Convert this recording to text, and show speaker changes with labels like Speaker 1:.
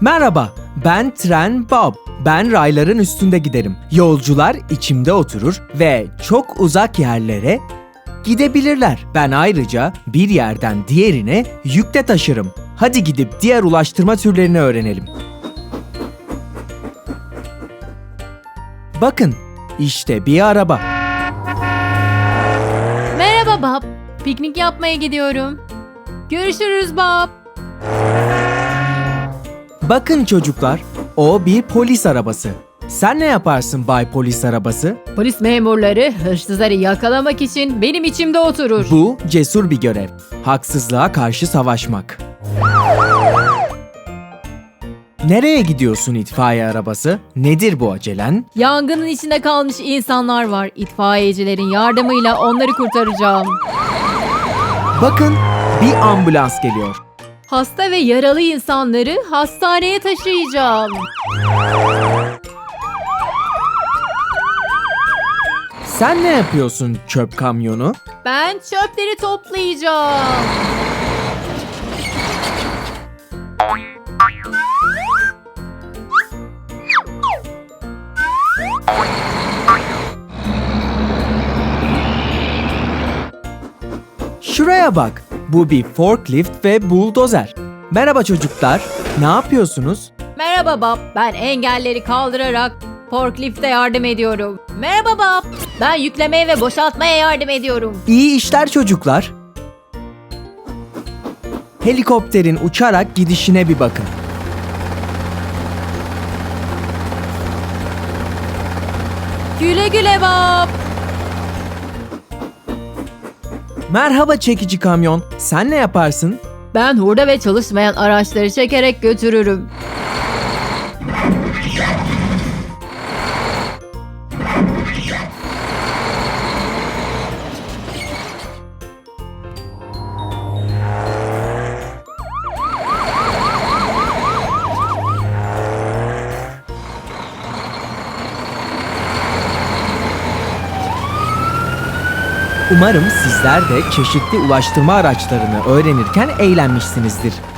Speaker 1: Merhaba, ben Tren Bob. Ben rayların üstünde giderim. Yolcular içimde oturur ve çok uzak yerlere gidebilirler. Ben ayrıca bir yerden diğerine yük de taşırım. Hadi gidip diğer ulaştırma türlerini öğrenelim. Bakın, işte bir araba.
Speaker 2: Merhaba Bob. Piknik yapmaya gidiyorum. Görüşürüz Bob.
Speaker 1: Bakın çocuklar, o bir polis arabası. Sen ne yaparsın Bay Polis Arabası?
Speaker 2: Polis memurları hırsızları yakalamak için benim içimde oturur.
Speaker 1: Bu cesur bir görev. Haksızlığa karşı savaşmak. Nereye gidiyorsun itfaiye arabası? Nedir bu acelen?
Speaker 2: Yangının içinde kalmış insanlar var. İtfaiyecilerin yardımıyla onları kurtaracağım.
Speaker 1: Bakın, bir ambulans geliyor.
Speaker 2: Hasta ve yaralı insanları hastaneye taşıyacağım.
Speaker 1: Sen ne yapıyorsun çöp kamyonu?
Speaker 2: Ben çöpleri toplayacağım.
Speaker 1: Şuraya bak. Bu bir forklift ve buldozer. Merhaba çocuklar. Ne yapıyorsunuz?
Speaker 2: Merhaba Bob. Ben engelleri kaldırarak forklifte yardım ediyorum. Merhaba Bob. Ben yüklemeye ve boşaltmaya yardım ediyorum.
Speaker 1: İyi işler çocuklar. Helikopterin uçarak gidişine bir bakın.
Speaker 2: Güle güle Bob.
Speaker 1: Merhaba çekici kamyon. Sen ne yaparsın?
Speaker 2: Ben hurda ve çalışmayan araçları çekerek götürürüm.
Speaker 1: Umarım sizler de çeşitli ulaştırma araçlarını öğrenirken eğlenmişsinizdir.